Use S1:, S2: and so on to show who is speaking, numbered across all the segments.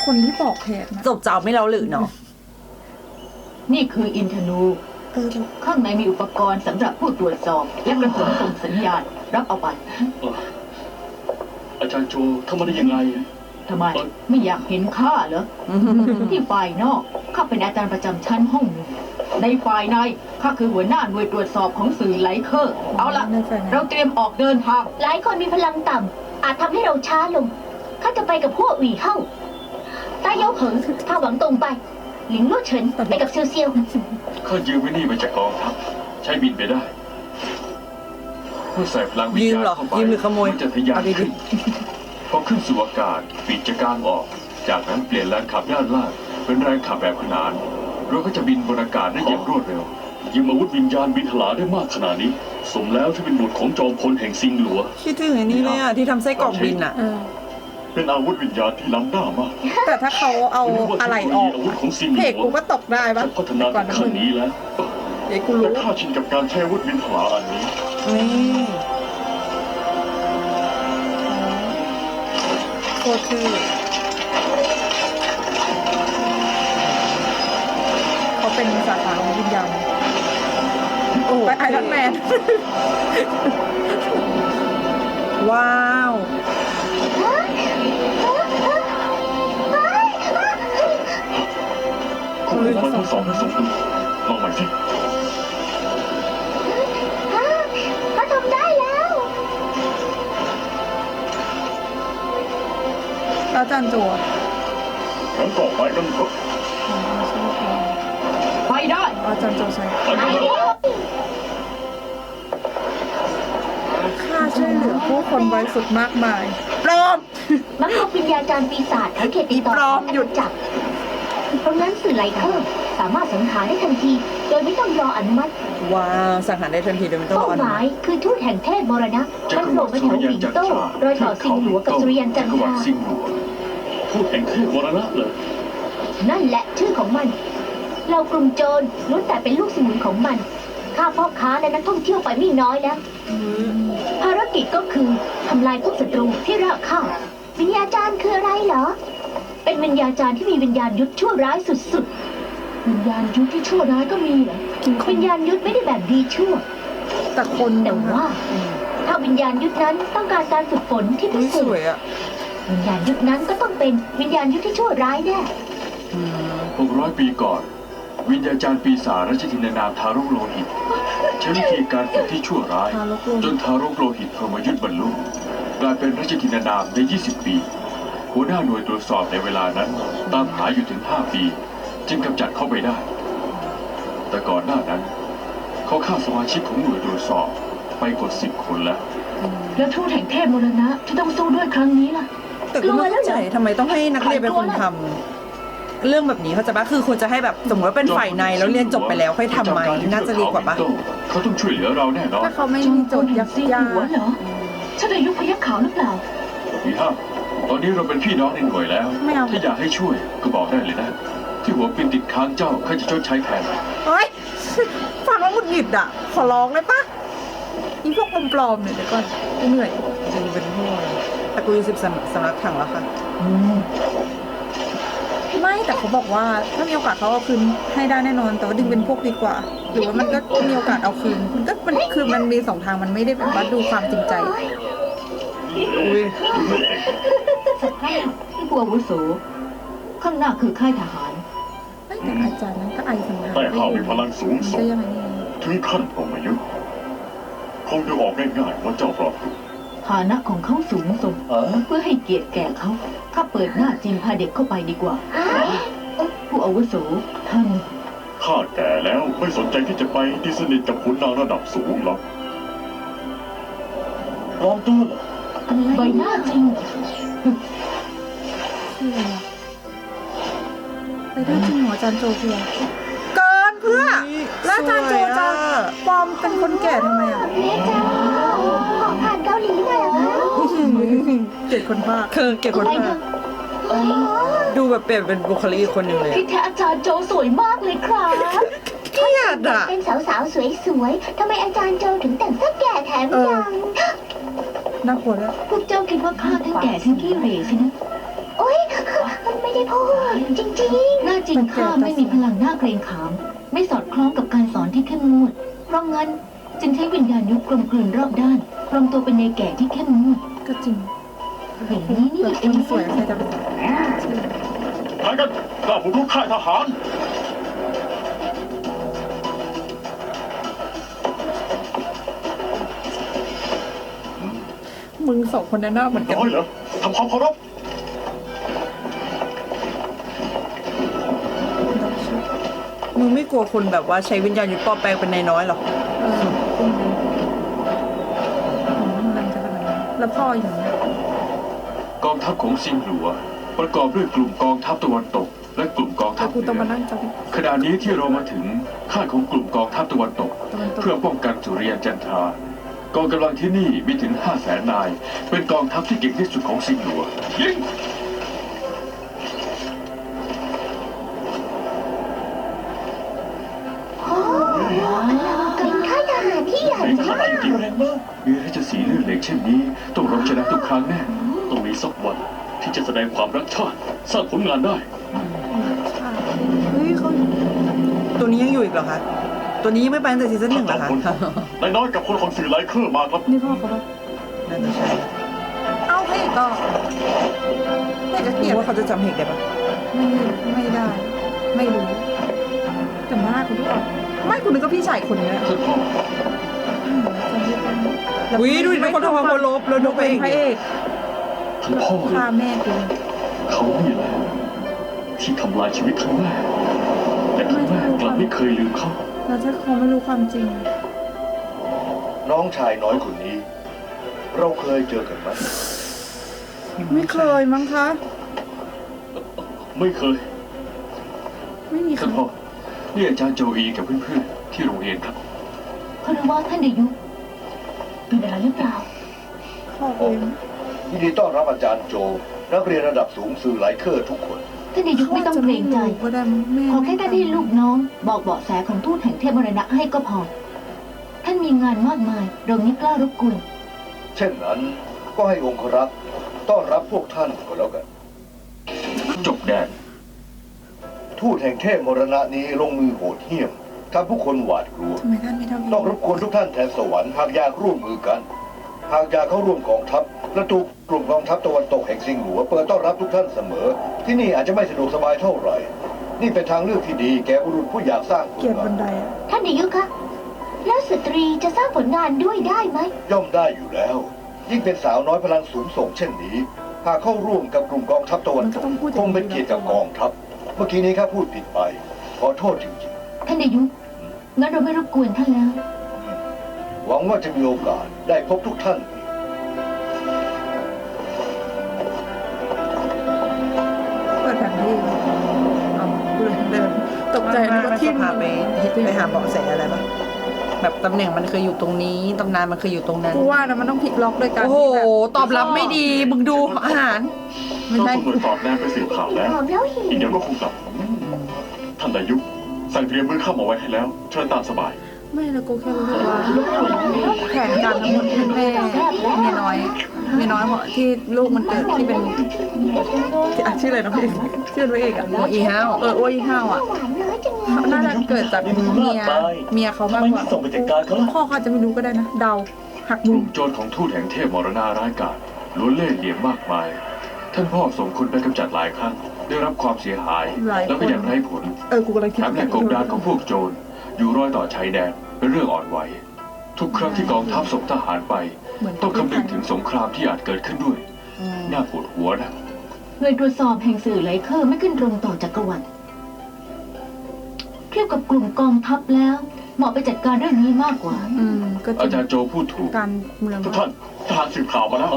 S1: คนที่บอกเหตุนะ
S2: จบเจ้าไม่เล่าหรือเนาะ
S3: นี่คืออินทนูข้างในมีอุปกรณ์สำหรับผู้ตรวจสอบและกระสุนส่งสัญญาณรับเอาไป
S4: อาจารย์โจทำมาได้ยังไง
S3: ทำไมไม่อยากเห็นข้าเหรอ ที่ฝ่ายนอกข้าเป็นอาจารย์ประจำชั้นห้องหนึ่งในฝ่ายในข้าคือหัวหน้าหน่วยตรวจสอบของสื่อไหลเคอร์เอาละเราเตรียมออกเดินทาง
S5: หลายคนมีพลังต่ำอาจทำให้เราช้าลงข้าจะไปกับพวกอีเฮ้าตาเย้าเหิงพาหวังตรงไปหลิงลู่เฉินไปกับเซียวเซียว
S4: ข้ายืมไว้นี่มาจากกองทัพใช้บินไปได้เมื่อใส่พลังวิญ
S2: ยืม
S4: ญาณ
S2: เหรอ
S4: เข้าไป
S2: ยืมหรือขโมย
S4: มันจะทะยาน
S2: เอาดี
S4: ขึ้นพอขึ้นสู่อากาศปีกจะกางออก จากนั้นเปลี่ยนแรงขับด้านล่างเป็นแรงขับแบบขนานเราก็จะบินบนอากาศได้อย่างรวดเร็วยืมอาวุธวิญญาณบินทลาได้มากขนาดนี้ สมแล้วที่เป็นบุตรของจอมพลแห่งซิงหลัว
S2: คิดถึงไอ้นี่เลยอ่ะที่ทำไส้กรอกบินอ่ะ
S4: เป็นอาวุธวิญญาณที่ล้ำหน้ามาก
S1: แต่ถ้าเขาเอาอะไรออก
S4: อาวุธของซิงห
S1: เพ
S4: ลั
S1: กกู
S4: ว
S1: ก็ตกได้ปะ
S4: ฉันพัฒนา
S1: ก่อน
S4: ถึง
S1: นะ
S4: ขั้
S1: มึ
S4: น
S1: ง
S4: นี้แล้ว
S1: เดี๋ยวกู
S4: แต่
S1: รู้
S4: ข้าชินกับการใช้อาวุธบินทลาอันนี้
S2: นี่
S1: โคตรคือเขาเป็นสาขาของวิญญาณ
S2: โอ้
S1: ไปไอรอนแมน
S2: ว้าว
S4: คุณเป็นคนทดสอบและสมดุลลองใหม่สิ
S5: เขาทำได้แล้ว
S1: แล้วจานจัว
S4: งั้นต่อไปกันเถอะ
S3: ไปได้
S1: อาจารย์โจใช้
S4: ไปกันเถอะ
S1: ค่าช่วยเหลือผู้คนบริสุทธิ์มากมายปลอม
S5: มักพบวิญญาจารย์ปีศาจแถวเขตติดต่อ
S1: ปลอมหยุด
S5: จับเพราะงั้นสื่อไหลเคอร์สามารถสังหารได้ทันที โดยไม่ต้องรออนุมัติ
S2: ว้าวสังหารได้ทันทีโดยไม่ต้องร
S5: เป้า
S2: ออ
S5: ห
S2: นุ
S5: มา
S2: มั
S5: ย
S2: ติ
S5: คือทูตแห่งเทพมรณะ
S4: จั
S5: มัน
S4: กร
S5: โผล่
S4: วรร
S5: ไป
S4: ดิ
S5: แถ
S4: สุ
S5: ว
S4: ริยั
S5: ห
S4: น
S5: ลิง
S4: จัน
S5: โต้
S4: ทราร
S5: อยต่อซิงหลัวกับสุริยันจัน
S4: จักรวร
S5: ท
S4: ร
S5: รา
S4: ดิซิงหลัวพูดแห่งเทพมรณะเลย
S5: นั่นแหละชื่อของมัน เรากลุ่มโจรล้วนแต่เป็นลูกสมุนของมันฆ่าพ่อค้าและนักท่องเที่ยวไปไม่น้อยแล้ว ภารกิจก็คือทำลายพวกศัตรูที่รากข้าวิญญาจารย์คืออะไรเหรอ เป็นวิญญาจารย์ที่มีวิญญาณยุทธชั่วร้ายสุดๆ วิญญาณยุทธที่ชั่วร้ายก็มีเหรอ วิญญาณยุทธไม่ได้แบบดีชั่ว
S1: แต่คน
S5: แต่ว่า ถ้าวิญญาณยุทธนั้นต้องการการฝึกฝนที่พิ
S2: อุ้ย
S5: เศ
S2: ส
S5: ษ
S2: วยอ่ะ
S5: วิญญาณยุทธนั้นก็ต้องเป็นวิญญาณยุทธที่ชั่วร้ายแน่
S4: 600 ปีก่อน วิญญาจารย์ปีศาจราชธินานามทารกโลหิตใช้วิธีการฝึกที่ชั่วร้าย จนทารกโลหิตพรหมยุทธ์บรรลุกลายเป็นราชธินานามใน 20 ปี หัวหน้าหน่วยตรวจสอบในเวลานั้นตามหาอยู่ถึง 5 ปี จึงกำจัดเข้าไปได้ แต่ก่อนหน้านั้น เขาฆ่าสมาชิกของหน่วยตรวจสอบไปกว่า10 คนแล้ว
S3: แล้วทูตแห่งเทพมรณะที่ต้องสู้ด้วยครั้งนี้ล่ะ
S2: แต่ก็ไม่เข้าใจทำไมต้องให้นักเรียนเป็นคนทำเรื่องแบบนี้เขาใจปะคือควรจะให้แบบสมมติว่าเป็นฝ่ายในแล้วเรียนจบไปแล้วค่อยทำไหมน่าจะดีกว่าปะ
S4: เขาต้องช่วยเหลือเราแน่นอน
S1: ถ้าเขาไม่มีโจทย์ยาก
S3: ซิงหลัวเหรอฉันอายุพยัคฆ์ขาวหรือเปล่า
S4: พี่ห้าตอนนี้เราเป็นพี่น้องในหน่วยแล้ว
S1: ไม่เอา
S4: ถ้าอยากให้ช่วยก็บอกได้เลยนะ ที่หัวปินติดค้างเจ้าข้าจะชดใช้แทน
S1: เฮ้ย ฟังแล้วหงุดหงิดอ่ะ ขอร้องเลยปะอีพวกปลอมๆเนี่ยเดี๋ยวก่อนกูเหนื่อย
S2: จริงเป็นพวกแต่กูอยู่10สำนักถังแล้วค่ะ
S1: ไม่แต่เขาบอกว่าถ้ามีโอกาสเขาเอาคืนให้ได้แน่นอน แต่ว่าดึงเป็นพวกดีกว่า หรือว่ามันก็มีโอกาสเอาคืน มันคือมันมี2 ทางมันไม่ได้แบบว่าดูความจริงใจ
S2: อุ้ย
S3: ผู้อาวุโสข้างหน้าคือค่ายทหาร
S1: ไม่แต่อาจารย์นั้นก็ไอสังหาร
S4: แต่ข้ามีพลังสูงส่ง
S1: จะยังไงนี่
S4: ถึงขั้นพรหมยุทธ์คงดูออกง่ายๆว่าเจ้าปลอบตัว
S3: ฐานะของเขาสูงส่งเพื่อให้เกียรติแก่เขาข้าเปิดหน้าจีนพาเด็กเข้าไปดีกว่า ผู้อาวุโสท่าน
S4: ข้าแก่แล้วไม่สนใจที่จะไปที่สนิทกับขุนนางระดับสูงหรอกปลอมตัวเหรอ
S3: ใบหน้าจริง
S1: คืออะไรอะไปได้จริงเหรออาจารย์โจเพื่อเกินเพื่อ แล้วอาจารย์โจจะปลอมเป็นคนแก่ทำไมอ่ะ
S5: แม่จ๋าขอผ่านเกาหลีหน่อยเหรอคะ
S1: เกลียดคนบ้า
S2: คือเก็บคนมาดูแบบเปลี่ยนเป็นบุคลิกอีกคนหนึ่งเลย
S3: ที่แท้อาจารย์โจสวยมากเลยครับ
S2: เกลียดอ่ะ
S5: เป็นสาวๆสวยๆทำไมอาจารย์โจถึงแต่งซะแก่แถมยัง
S1: น่ากลัวด้วย
S3: พวกเจ้าคิดว่าข้าทั้งแก่ทั้งขี้เหร่ใช่ไหม
S5: โอ๊ยไม่ไม่ได้พูดจริง
S3: หน้าจริงข้าไม่มีพลังหน้าเกรงขาม ไม่สอดคล้องกับการสอนที่เข้มงวดเพราะงั้นจึงใช้วิญญาณยุคกลมกลืนรอบด้านปลอมตัวเป็นในแก่ที่เข้มงวด
S1: ก็จริง
S3: อย่างนี้นี่
S1: แบบ
S3: เอ
S1: คน
S3: ง
S1: สวยใครจะไป
S4: ใครกันกล้าบุกรุกค่ายทหาร
S1: มึงสองคนนั้นน่าเหมือนกัน
S4: น้อยเหรอทำความเคารพ
S2: มึงไม่กลัวคนแบบว่าใช้วิญญาณยุทธปลอมแปลงเป็นนายน้อยหรอ
S1: เออมันจะขนาดนั้นแล้วพ่ออยู่เนี่ย
S4: กองทัพของซิงหลัว ประกอบด้วยกลุ่มกองทัพตะวันตก และกลุ่มกองทั
S1: แล้
S4: พ
S1: วกู
S4: เห
S1: ต้อง
S4: นื
S1: มา
S4: อ
S1: นั่งจ
S4: ขณะนี้ที่เรามาถึงค่ายของกลุ่มกองทัพตะวันตก
S1: ตะวันตก
S4: เพื่อป้องกันสุริยันจันทรากองกำลังที่นี่มีถึง 500,000 นาย เป็นกองทัพที่เก่งที่สุดของซิงหลัวยิง
S5: ๆโอ้เป็นค่ายทหารที่ใหญ่
S4: ในข
S5: มา
S4: ณะ
S5: ก
S4: ที่แรงมากมีราชสีห์เลื่อนเหล็กเช่นนี้ต้องรบชนะทุกครั้งแน่
S6: ต้องมีสักวันที่จะแสดงความรักชาติ สร้างผลงานได้
S1: เฮ้ยเขา
S2: ตัวนี้ยังอยู่อีกเหรอคะ ตัวนี้ยังไม่ไปตั้งแต่ซีซั่นหนึ่งเหรอคะ
S6: นายน้อยกับคนของสื่อไลเคอร์มาครับ
S1: นี่พ่อเขาปะ
S2: น่าจะใช่
S1: เอ้าพระเอกก็พระเอกก็เกลียด
S2: ว่าเขาจะจำเหตุได้ปะ
S1: ไม่ได้ ไม่รู้แต่หน้าคุณทุกคนไม่คุณนึกว่าพี่ชายคนเนี้ย
S4: ท่านพ่อ
S1: จำไม่ได้แล้ว
S2: อุ้ยดูดิทุกคนทำความเคารพแล้วนกไป
S1: เป็น
S2: อีก
S1: พระเอก
S4: ท่านพ่อ
S1: ฆ่าแม่กู
S6: เขานี่แหละที่ทำลายชีวิตทั้งแม่แต่ทั้งแม่กลับไม่เคยลืมเขา
S1: เราจะคงไม่รู้ความจริง
S7: น้องชายน้อยคนนี้ เราเคยเจอกันไหม
S1: ไม่เคยมั้งคะ
S6: ไม่เคย
S1: ไม่มีใคร
S4: ท่านพ่อนี่อาจารย์โจอีกับเพื่อนๆที่โรงเรียนครับ
S3: คารวะท่านเดยุเป็นอะไรหรือเปล่า
S1: พ่อเอง
S7: ยินดีต้อนรับอาจารย์โจ นักเรียนระดับสูงสื่อไลเคอร์ทุกคน
S3: ท่านเดยุไม่ต้องเกรงใจ
S1: ก็ได้แม่
S3: ขอแค่ท่านให้ลูกน้อง บอกเบาะแสของทูตแห่งเทพมรณะให้ก็พอ ท่านมีงานมากมายเราไม่กล้ารบกวน
S7: เช่นนั้นก็ให้องครักษ์ต้อนรับพวกท่านก็แล้วกัน
S4: จบแดน
S7: ทูตแห่งเทพมรณะนี้ลงมือโหดเหี้ยมทำผู้คนหวาดกลัว
S1: ทำไมท่านไม่เท่าพี่
S7: ต้องรบกวนทุกท่านแทนสวรรค์หากอยากร่วมมือกัน หากอยากเข้าร่วมกองทัพประตูกลุ่มกองทัพตะวันตกแห่งซิงหลัวเปิดต้อนรับทุกท่านเสมอ ที่นี่อาจจะไม่สะดวกสบายเท่าไหร่ นี่เป็นทางเลือกที่ดีแก่บุรุษผู้อยากสร้างผ
S1: เกลียด
S7: ลงา
S1: บั
S7: น
S1: นไดอะ
S5: ท่านเดยุคะแล้วสตรีจะสร้างผลงานด้วยได้ไหม
S7: ย่อมได้อยู่แล้ว ยิ่งเป็นสาวน้อยพลังสูงส่งเช่นนี้ หากเข้าร่วมกับกลุ่มกองทัพตะวันตกคงเป็นเกียรติกับกองทัพ เมื่อกี้นี้ข้าพูดผิดไป ขอโทษจริง
S3: ท่านเดยุงั้นเราไม่รบกวนท่านแล้ว
S7: ๆ หวังว่าจะมีโอกาสได้พบทุกท่านอีก
S1: เปิดแผนที่เอากูเลยเดินตกใจนึกว่าที่
S2: พาไปหาเบาะแสอะไรปะแบบตำแหน่งมันเคยอยู่ตรงนี้ตำนานมันเคยอยู่ตรงนั้น
S1: กูว่านะมันต้องพลิกล็อกด้วยกัน
S2: โอ้โห
S1: ที่แบบ
S2: ตอบรับไม่ดี มึงดูอาหาร
S1: ไม่
S6: เรา
S1: ใช่
S6: ตำรวจตอบแนมไปสืบข่าวแล้ว
S5: หอมแล้วหิ
S6: อีก
S5: ว
S6: เดี๋ยวก็คงกลับ ท่านดายุสั่งเตรียมมื้อข้าวมาไว้ให้แล้ว เชิญตามสบาย
S1: ไม่แล้วกูแค่รู้สึกว่าแผนการทั้งหมดเป็นแม่เมียน้อยเมียน้อยเพราะที่ลูกมันเกิดที่เป็นที่ชื่ออะไรนะพี่ชื่อพระเอกอะ
S2: โออีห้าว
S1: โอ้ยห้าวอะ
S5: หวานน้อยจังเลย
S1: น่าจะเกิดจากเมียเขามากกว่า
S6: ทำไมไม่ส่งไปจัดการเขาล่ะ
S1: พ่อเขาอาจจะไม่รู้ก็ได้นะเดาหัก
S4: ก
S1: มุ
S4: ลุ่
S1: ม
S4: มโจรของทูตแห่งเทพมรณาร้ายกาจล้วนเล่ห์เหลี่ยมมากมาย ท่านพ่อส่งคนไปกำจัดหลายครั้ง ได้รับความเสียหาย แล้วก็ยังไร้ผล
S1: กูกำลังคิด
S4: แถมแหล่งกบดานของพวกโจรอยู่รอยต่อชายแดนเป็นเรื่องอ่อนไหว ทุกครั้งที่กองทัพส่งทหารไป ต้องคำนึงถึงสงครามที่อาจเกิดขึ้นด้วย น่าปวดหัวนะ
S3: หน่วยตรวจสอบแห่งสื่อไลเคอร์ไม่ขึ้นตรงต่อจักรวรรดิเทียบกับกลุ่มกองทัพแล้ว เหมาะไปจัดการเรื่องนี้มากกว่า
S1: ก็จ
S4: อา
S1: ริ
S4: จารง ย์โจพูดถูก
S1: การเมือง
S6: ทุกท่านทหารสืบข่าวมาแล้ว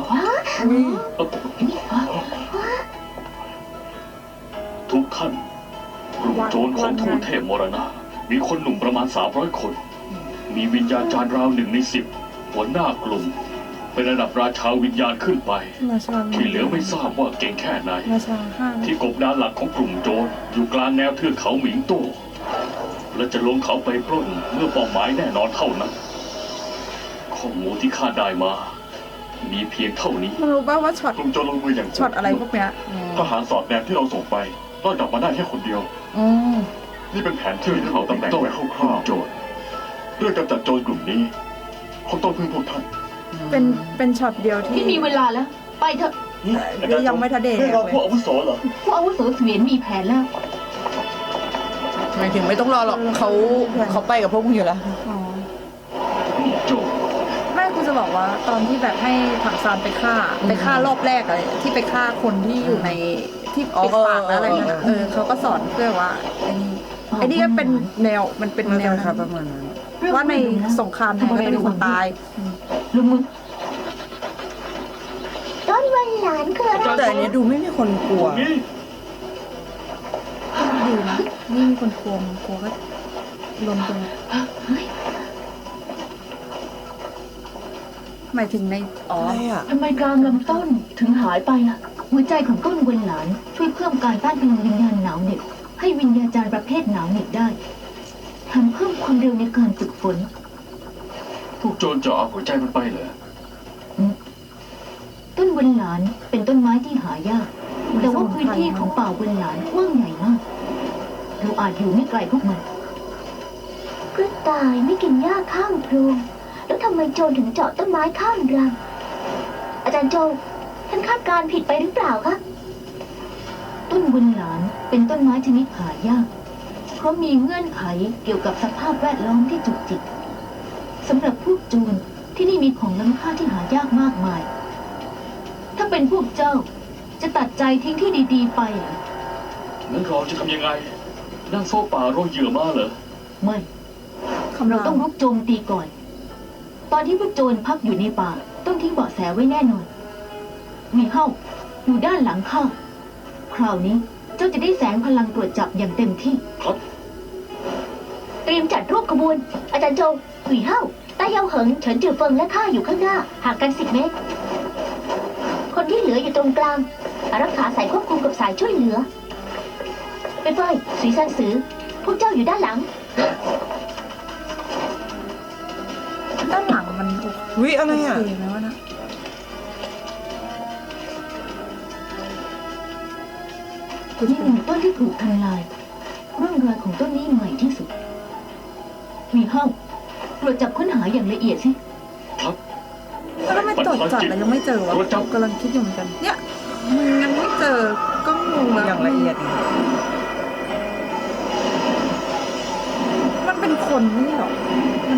S6: ทุกท่านกลุ่มโจรของทูตเทพมรณะมีคนหนุ่มประมาณ300 คน มีวิญญาจารย์ราว1 ใน 10 หัวหน้ากลุ่ม เป็นระดับราชาวิญญาณขึ้นไป
S1: ราชา
S6: ที่เหลือไม่ทราบว่าเก่งแค่ไหน
S1: ราชาห้า
S6: ที่กบดานหลักของกลุ่มโจรอยู่กลางแนวเทือกเขาหมิงโต้และจะลงเขาไปปล้นเมื่อเป้าหมายแน่นอนเท่านั้น ข้อมูลที่ข้าได้มามีเพียงเท่านี้
S1: มึงรู้ป่าวว่าช็อต
S4: กลุ่มโจรลงมืออย่าง
S1: ช็อตอะไรพวกเนี้ย
S4: ทหารสอดแนมที่เราส่งไปรอดกลับมาได้แค่คนเดียว
S2: อ๋อ
S4: นี่เป็นแผนที่เขาตำแหน่งไว้คร่าวๆโจรเรื่องกำจัดโจรกลุ่มนี้เขาต้องพึ่งพวกท่าน
S1: เป็นช็อตเดียวที่
S3: ที่มีเวลาแล้ว ไปเถอะ
S1: ยังไม่ทันเดท
S4: ไม่
S1: เลย
S4: รอพวกอาวุโสเหรอ
S3: ผู้อาวุโสเสวียนมีแผนแล้ว
S2: หมายถึงไม่ต้องรอหรอกเขาไปกับพวกมึงอยู่แล้ว
S1: อ๋อ
S6: โจร
S1: ไม่กูจะบอกว่าตอนที่แบบให้ถังซานไปฆ่ารอบแรกอะไรที่ไปฆ่าคนที่อยู่ในที่ปิดปากแล้วอะไรนั่นน่ะเขาก็สอนเพื่อว่าไอ้นี่ก็เป็นแนวมันเป็นแนว
S2: ครับประมาณนั้น
S1: ว่าในสงครามไทยก็จะมีคนตาย
S3: ลงมือ
S5: ต้นวันหลานคืออะไร
S2: แต่อันเนี้ยดูไม่มีคนกลัว
S6: นี่
S1: ดีนะนี่มีคนกลัวมันกลัวก็ลมตัวหมายถึงในอ๋อ
S2: อะไรอ่ะ
S3: ทำไมกลางลำต้นถึงหายไปล่ะ หัวใจของต้นเวนหลานช่วยเพิ่มการต้านพลังวิญญาณหนาวเหน็บให้วิญญาจารย์ประเภทหนาวเหน็บได้แถมเพิ่มความเร็วในการฝึกฝน
S4: พวกโจรจะเอาหัวใจมันไปเหรอ
S3: ต้นเวนหลานเป็นต้นไม้ที่หายาก แต่ว่าพื้นที่ของป่าเวนหลานกว้างใหญ่มาก เราอาจอยู่ไม่ไกลพวกมัน
S5: กระต่ายไม่กินหญ้าข้างโพรงแล้วทำไมโจรถึงเจาะต้นไม้ข้างรังอาจารย์โจท่านคาดการณ์ผิดไปหรือเปล่าคะ
S3: ต้นเวนหลานเป็นต้นไม้ชนิดหายาก เพราะมีเงื่อนไขเกี่ยวกับสภาพแวดล้อมที่จุกจิกสำหรับพวกโจรที่นี่มีของล้ำค่าที่หายากมากมาย ถ้าเป็นพวกเจ้าจะตัดใจทิ้งที่ดีๆไปเหรอ
S6: งั้นเราจะทำยังไง นั่งโซ่ป่าโรยเหยื่อมาเหรอ
S3: ไม่
S1: คำ
S3: เรา
S1: ราม
S3: ต้องรุกโจมตีก่อน ตอนที่พวกโจรพักอยู่ในป่าต้องทิ้งเบาะแสไว้แน่นอนหวีเฮ้าอยู่ด้านหลังข้าคราวนี้เจ้าจะได้แสงพลังตรวจจับอย่างเต็มที่
S6: ครับ
S5: เตรียมจัดรูปขบวน อาจารย์โจหวีเฮ้าต้าเยาเหิงเฉินจือเฟิงและข้าอยู่ข้างหน้าห่างกัน10 เมตร คนที่เหลืออยู่ตรงกลางอารักขาสายควบคุมกับสายช่วยเหลือไปเฟยสีซันสือพวกเจ้าอยู่ด้านหลัง
S1: ด้านหลังมัน
S2: วิอะไรอ่ะ
S1: โอเคไหมวะนะกู
S3: นี่
S1: จะ
S3: หนึ่งต้นที่ถูกทำลายร่องรอยของต้นนี้ใหม่ที่สุดหวีเฮ้าตรวจจับค้นหาอย่างละเอียดสิ
S6: ครับ
S1: แล้วทำไมตรวจจับแล้วยังไม่เจอวะ
S6: ตรวจจับ
S1: กำลังคิดอยู่เหมือนกัน เนี่ยมึงยังไม่เจอก็งงแล้ว
S2: อย่างละเอียด
S1: มันเป็นคนไม่ใช่หรอมัน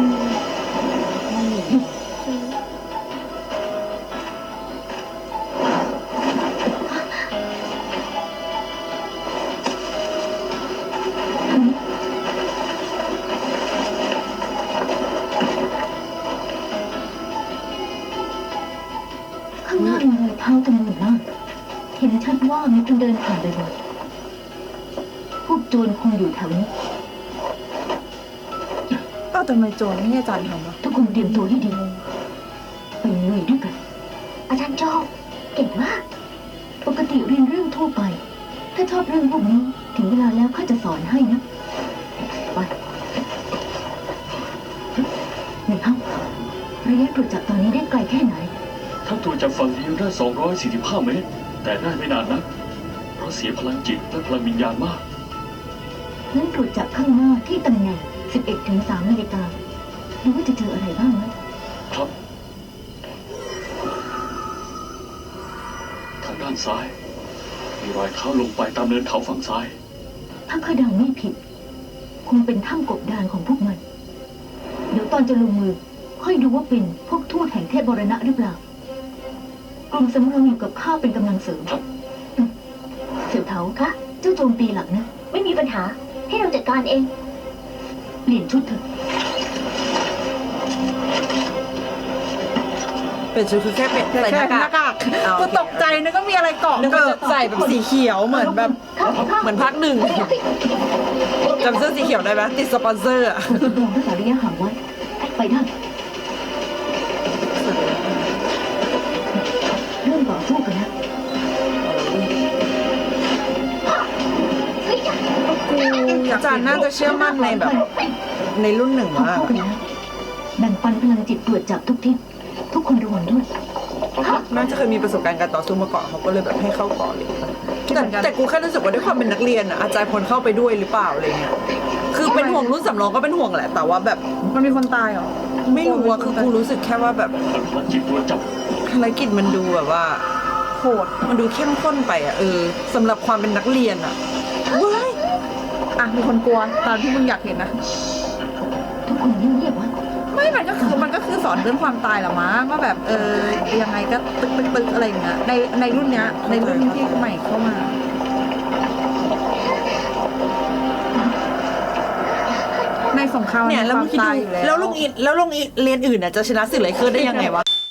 S3: ข้างหน้ามีรอยเท้าจำนวนมากเห็นชัดว่ามีคนเดินผ่านไปบ่อยพวกโจรคงอยู่แถวนี้
S1: ก็ทำไมโจรไม่ให้อาจารย์ทำวะ
S3: ทุกคนเตรียมตัวให้ดีไปลุยด้วยกัน
S5: อาจารย์โจเก่งมาก
S3: ปกติเรียนเรื่องทั่วไป ถ้าชอบเรื่องพวกนี้ ถึงเวลาแล้วข้าจะสอนให้นะ ไปหนึ่งเท่าระยะตรวจจับตอนนี้ได้ไกลแค่ไหน
S6: ถ้าตรวจจากฝั่งเดียวได้ 245 เมตร แต่ได้ไม่นานนะ เพราะเสียพลังจิตและพลังวิญญาณมาก
S3: งั้นตรวจจับข้างหน้าที่ตำแหน่ง 11 ถึง 3 นาฬิกาดูว่าจะเจออะไรบ้างนะครับ
S6: ทางด้านซ้าย มีรอยเท้าลงไปตามเนินเขาฝั่งซ้าย
S3: ถ้าข้าเดาไม่ผิด คงเป็นถ้ำกบดานของพวกมัน เดี๋ยวตอนจะลงมือ ค่อยดูว่าเป็นพวกทูตแห่งเทพบรณะหรือเปล่ากลุ่มสำรองอยู่กับข้าเป็นกำลังเสริม
S6: ครับ
S3: เสี่ยวเถาคะเจ้าโจมตีหลักนะ
S5: ไม่มีปัญหา ให้เราจัดการเอง
S3: เปลี่ยนชุดเถอะ
S2: เป็นชุดคือแค่เป็นใส่หน้ากาก
S1: กูตกใจนึกว่ามีอะไรเกาะ
S2: นึกว่าจะใส่แบบสีเขียวเหมือนแบบเหมือนภาคหนึ่งจำเสื้อสีเขียวได้ไหมติดสปอนเซอร์อ่ะ
S3: จำลองรักษาระยะห่างไว้ ไปได้ เริ่มต่อสู้กันแล้ว
S2: อาจารย์น่าจะเชื่อมั่นในแบบ ในรุ่นหนึ่ง
S3: พอ
S2: มาก
S3: เข้ากันแล้วแบ่งปันพลังจิตตรวจจับทุกทิศทุกคนระวังด้วย
S2: น่าจะเคยมีประสบการณ์การต่อสู้มาก่อนเขาก็เลยแบบให้เข้าก่อนเลยแต่กูแค่รู้สึกว่าด้วยความเป็นนักเรียนอ่ะอาจารย์ควรเข้าไปด้วยหรือเปล่าอะไรเงี้ยคือเป็นห่วงรุ่นสำรองก็เป็นห่วงแหละแต่ว่าแบบ
S1: มันมีคนตายเหรอ
S2: ไม่รู้อะคือกูรู้สึกแค่ว่าแบบ
S6: พลังจิตตัวจับ
S2: ภารกิจมันดูแบบว่า
S1: โหด
S2: มันดูเข้มข้นไปอ่ะสำหรับความเป็นนักเรียนอ่ะว้าย
S1: อ่ะมีคนกลัวตามที่มึงอยากเห็นนะ
S3: ทุกคนเงียบๆไว้
S1: ไม่มันก็คือสอนเรื่องความตายแหละมั้งว่าแบบยังไงก็ตึกอะไรอย่างเงี้ยในรุ่นเนี้ยในรุ่นที่ใหม่เข้ามา ในสงคราม
S2: เนี่ยแล้ว
S1: ค
S2: มึ
S1: วาง ม
S2: คิด
S1: ตาย
S2: ดู
S1: อยู่แล้ว
S2: แล้วโรงเรียนอื่นน่ะจะชนะสื่อไรเคอร์ได้ยังไงวะ